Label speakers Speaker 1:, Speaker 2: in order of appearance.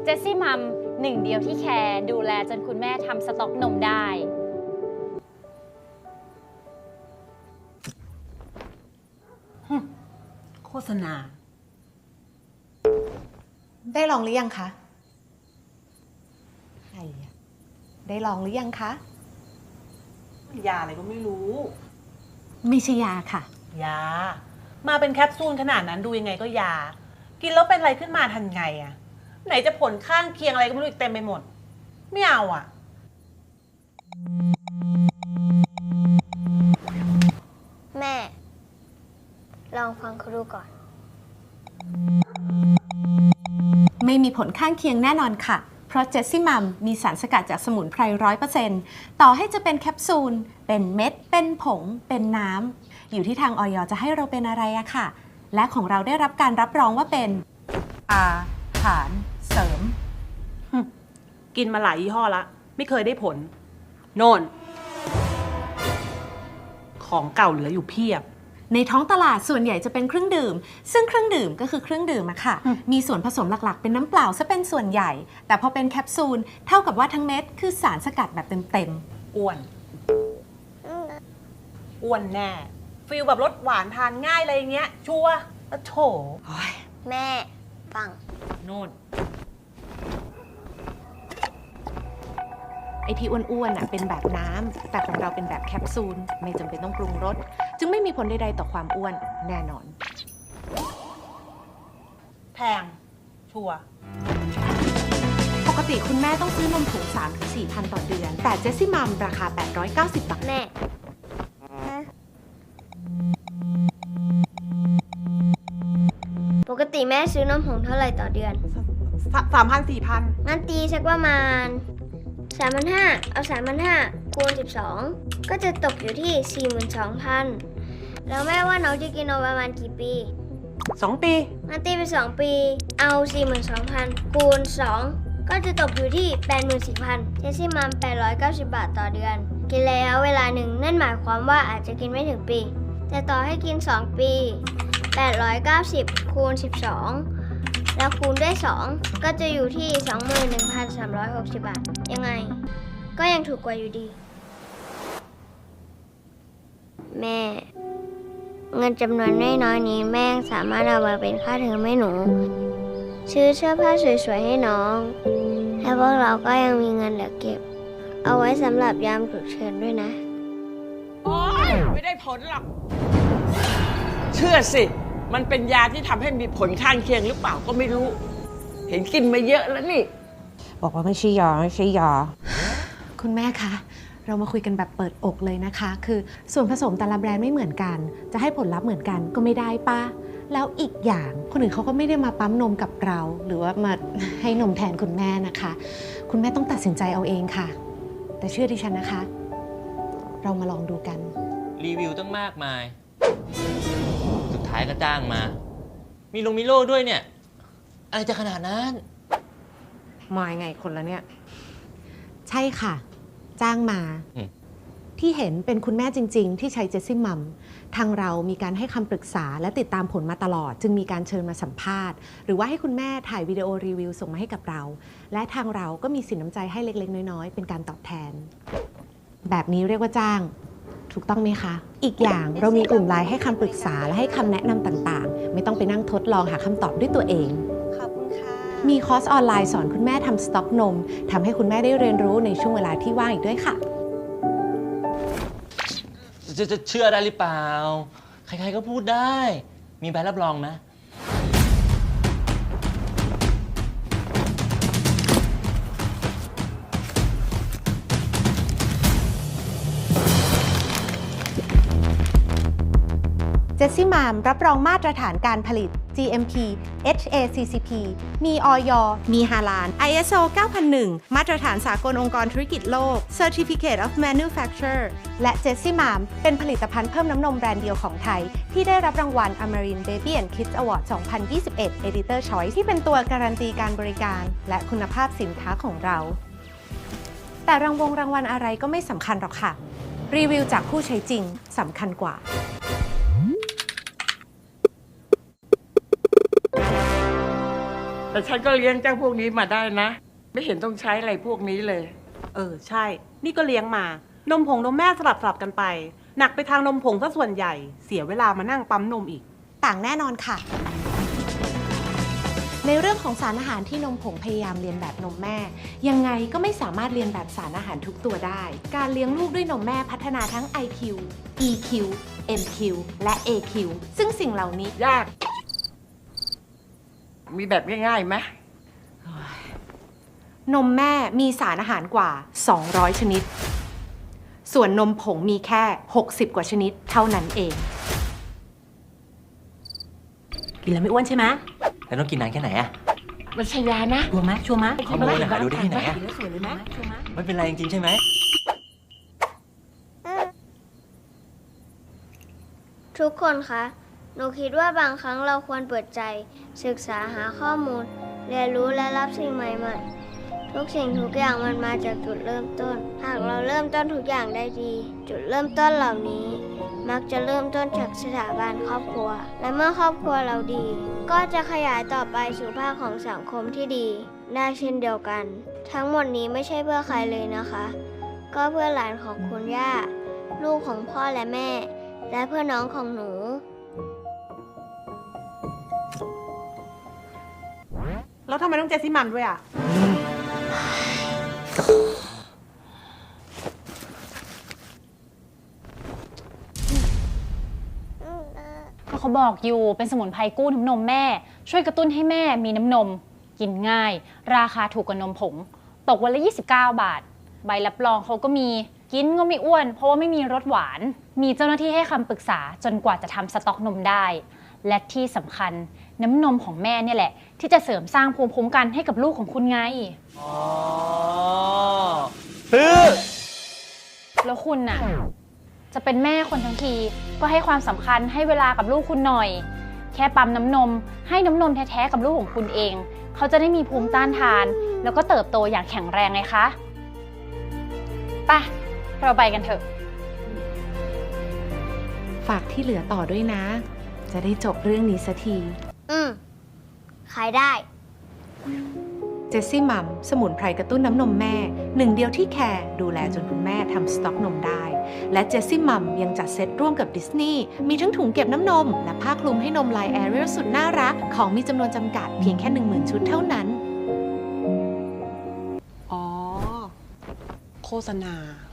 Speaker 1: เจสซี่มัมหนึ่งเดียวที่แคร์ดูแลจนคุณแม่ทำสต็อกนมได้
Speaker 2: โฆษณา
Speaker 3: ได้ลองหรือยังคะใครอะได้ลองหรือยังคะ
Speaker 2: ยาอะไรก็ไม่รู้
Speaker 3: ไม่ใช่ยาค่ะ
Speaker 2: ยา มาเป็นแคปซูลขนาดนั้นดูยังไงก็ยา กินแล้วเป็นอะไรขึ้นมาทันไงอะไหนจะผลข้างเคียงอะไรก็ไม่รู้อีกเต็มไปหมด ไม่เอาอะ
Speaker 4: แม่ ลองฟังเขาดูก่อน
Speaker 3: ไม่มีผลข้างเคียงแน่นอนค่ะ เพราะเจสซี่มัมมีสารสกัดจากสมุนไพร100%ต่อให้จะเป็นแคปซูล เป็นเม็ด เป็นผง เป็นน้ำ อยู่ที่ทางอย.จะให้เราเป็นอะไรอะค่ะ และของเราได้รับการรับรองว่าเป็นอาหารเสริม
Speaker 2: กินมาหลายยี่ห้อละ ไม่เคยได้ผล โน่น ของเก่าเหลืออยู่เพียบ
Speaker 3: ในท้องตลาดส่วนใหญ่จะเป็นเครื่องดื่ม ซึ่งเครื่องดื่มก็คือเครื่องดื่มอะค่ะ มีส่วนผสมหลักๆ เป็นน้ำเปล่าซะเป็นส่วนใหญ่ แต่พอเป็นแคปซูล เท่ากับว่าทั้งเม็ดคือสารสกัดแบบเต็ม
Speaker 2: อ้วน อ้วนแน่ ฟีลแบบรสหวานทานง่ายอะไรอย่างเงี้ย ชัวร์แล้วโถ
Speaker 4: แม่ ฟัง
Speaker 2: โน่น
Speaker 3: ไอที่อ้วนๆอะเป็นแบบน้ำ แต่ของเราเป็นแบบแคปซูล ไม่จำเป็นต้องปรุงรส จึงไม่มีผลใดๆต่อความอ้วนแน่นอน
Speaker 2: แพง ชัวร์
Speaker 3: ปกติคุณแม่ต้องซื้อนมผง 3-4 พันต่อเดือน แต่เจสซี่มัมราคา 890 บาท
Speaker 4: แม่ ปกติแม่ซื้อนมผงเท่าไหร่ต่อเดือน
Speaker 2: 3,000-4,000
Speaker 4: งั้นตีสักประมาณ 3,500 เอา 3,500 คูณ 12 ก็จะตกอยู่ที่ 42,000 แล้วแม่ว่าน้องจะกินนมประมาณกี่ปี
Speaker 2: 2 ปี
Speaker 4: งั้นตีไป 2 ปี เอา 42,000 คูณ 2 ก็จะตกอยู่ที่ 84,000 เจสซี่มัม890 บาทต่อเดือน กินระยะเวลาหนึ่งนั่นหมายความว่าอาจจะกินไม่ถึงปี แต่ต่อให้กิน 2 ปี 890 คูณ 12 แล้วคูณด้วย 2 ก็จะอยู่ที่ 21,360 บาท ยังไง ก็ยังถูกกว่าอยู่ดี แม่ เงินจำนวนน้อยๆนี้แม่สามารถเอามาเป็นค่าเทอมให้หนู ซื้อเสื้อผ้าสวยๆให้น้อง และพวกเราก็ยังมีเงินเหลือเก็บ เอาไว้สำหรับยามฉุกเฉินด้วยนะ
Speaker 5: โอ๊ยไม่ได้ผลหรอก เชื่อสิ มันเป็นยาที่ทำให้มีผลข้างเคียงหรือเปล่าก็ไม่รู้ เห็นกินมาเยอะแล้วนี่
Speaker 6: บอกว่าไม่ใช่ยาไม่ใช่ยา
Speaker 3: คุณแม่คะ เรามาคุยกันแบบเปิดอกเลยนะคะ คือส่วนผสมแต่ละแบรนด์ไม่เหมือนกัน จะให้ผลลัพธ์เหมือนกันก็ไม่ได้ป้าแล้วอีกอย่างคนอื่นเขาก็ไม่ได้มาปั๊มนมกับเรา หรือว่ามาให้นมแทนคุณแม่นะคะ คุณแม่ต้องตัดสินใจเอาเองค่ะ แต่เชื่อดิฉันนะคะ เรามาลองดูกัน
Speaker 7: รีวิวตั้งมากมาย สุดท้ายก็จ้างมา มีลงมีโลด้วยเนี่ย อะไรจะขนาดนั้น
Speaker 6: มายังไงคนละเนี่ย
Speaker 3: ใช่ค่ะ จ้างมา
Speaker 7: อืม
Speaker 3: ที่เห็นเป็นคุณแม่จริง ๆ ที่ใช้เจสซี่มัมทางเรามีการให้คำปรึกษาและติดตามผลมาตลอด จึงมีการเชิญมาสัมภาษณ์ หรือว่าให้คุณแม่ถ่ายวิดีโอรีวิวส่งมาให้กับเรา และทางเราก็มีสินน้ำใจให้เล็กๆ น้อยๆ เป็นการตอบแทน แบบนี้เรียกว่าจ้าง ถูกต้องไหมคะ อีกอย่างเรามีกลุ่มไลน์ให้คำปรึกษาและให้คำแนะนำต่างๆ ไม่ต้องไปนั่งทดลองหาคำตอบด้วยตัวเอง
Speaker 4: ขอบคุณค่ะ
Speaker 3: มีคอร์สออนไลน์สอนคุณแม่ทำสต็อกนมทำให้คุณแม่ได้เรียนรู้ในช่วงเวลาที่ว่างอีกด้วยค่ะ
Speaker 7: จะเชื่อได้หรือเปล่า ใครๆก็พูดได้ มีใบรับรองไหม
Speaker 3: เจสซี่มามรับรองมาตรฐานการผลิต GMP HACCP มีอย.มีฮาลาล ISO 9001 มาตรฐานสากลองค์กรธุรกิจโลก Certificate of Manufacturer และเจสซี่มามเป็นผลิตภัณฑ์เพิ่มน้ำนมแบรนด์เดียวของไทย ที่ได้รับรางวัล Amarin Baby and Kids Award 2021 Editor Choice ที่เป็นตัวการันตีการบริการและคุณภาพสินค้าของเรา แต่รางวัลอะไรก็ไม่สำคัญหรอกค่ะ รีวิวจากผู้ใช้จริงสำคัญกว่า
Speaker 5: แต่ฉันก็เลี้ยงเจ้าพวกนี้มาได้นะ ไม่เห็นต้องใช้อะไรพวกนี้เลย
Speaker 2: ใช่ นี่ก็เลี้ยงมา นมผงนมแม่สลับกันไป หนักไปทางนมผงซะส่วนใหญ่ เสียเวลามานั่งปั๊มนมอีก
Speaker 3: ต่างแน่นอนค่ะ ในเรื่องของสารอาหารที่นมผงพยายามเรียนแบบนมแม่ ยังไงก็ไม่สามารถเรียนแบบสารอาหารทุกตัวได้ การเลี้ยงลูกด้วยนมแม่พัฒนาทั้ง IQ EQ MQ และ AQ ซึ่งสิ่งเหล่านี้
Speaker 5: ยาก มีแบบง่ายๆไหม
Speaker 3: นมแม่มีสารอาหารกว่า 200 ชนิด ส่วนนมผงมีแค่ 60 กว่าชนิดเท่านั้นเอง
Speaker 2: กินแล้วไม่อ้วนใช่ไหม
Speaker 7: แล้วต้องกินนานแค่ไหนอะ
Speaker 5: มันชยานะ
Speaker 2: ชัวร์ไหมชัวร์ไหม
Speaker 7: ข้อมูลหาดูได้ที่ไหนอะ
Speaker 2: กินแล้วสวยเลยไหมชัวร์ไหม
Speaker 7: ไม่เป็นไรจริงๆใช่ไหม
Speaker 4: ทุกคนคะ หนูคิดว่าบางครั้งเราควรเปิดใจ ศึกษาหาข้อมูล เรียนรู้และรับสิ่งใหม่ๆ ทุกสิ่งทุกอย่างมันมาจากจุดเริ่มต้น หากเราเริ่มต้นทุกอย่างได้ดี จุดเริ่มต้นเหล่านี้ มักจะเริ่มต้นจากสถาบันครอบครัว และเมื่อครอบครัวเราดี ก็จะขยายต่อไปสู่ภาคของสังคมที่ดีได้เช่นเดียวกัน ทั้งหมดนี้ไม่ใช่เพื่อใครเลยนะคะ ก็เพื่อหลานของคุณย่า ลูกของพ่อและแม่ และเพื่อน้องของหนู
Speaker 2: แล้วทำไมต้องเจสซี่มันด้วยอ่ะ
Speaker 1: ก็เขาบอกอยู่เป็นสมุนไพรกู้น้ำนมแม่ ช่วยกระตุ้นให้แม่มีน้ำนม กินง่าย ราคาถูกกว่านมผง ตกวันละ 29 บาท ใบรับรองเขาก็มีกินก็ไม่อ้วน เพราะว่าไม่มีรสหวาน มีเจ้าหน้าที่ให้คำปรึกษาจนกว่าจะทำสต๊อกนมได้ และที่สำคัญน้ำนมของแม่เนี่ยแหละ ที่จะเสริมสร้างภูมิคุ้มกันให้กับลูกของคุณไง
Speaker 7: อ๋อซื้อ
Speaker 1: แล้วคุณน่ะ จะเป็นแม่คนทั้งทีก็ให้ความสำคัญให้เวลากับลูกคุณหน่อย แค่ปั๊มน้ำนมให้น้ำนมแท้ๆกับลูกของคุณเอง เขาจะได้มีภูมิต้านทาน แล้วก็เติบโตอย่างแข็งแรงไงคะไปเราไปกันเถอะ
Speaker 3: ฝากที่เหลือต่อด้วยนะ จะได้จบเรื่องนี้สักที
Speaker 4: ขายได้
Speaker 3: เจสซี่มัมสมุนไพรกระตุ้นน้ำนมแม่หนึ่งเดียวที่แคร์ดูแลจนคุณแม่ทำสต็อกนมได้ และเจสซี่มัมยังจัดเซตร่วมกับดิสนีย์มีทั้งถุงเก็บน้ำนม และผ้าคลุมให้นมลายแอเรียลสุดน่ารัก ของมีจำนวนจำกัดเพียงแค่ 10,000 ชุดเท่านั้น
Speaker 2: อ๋อ โฆษณา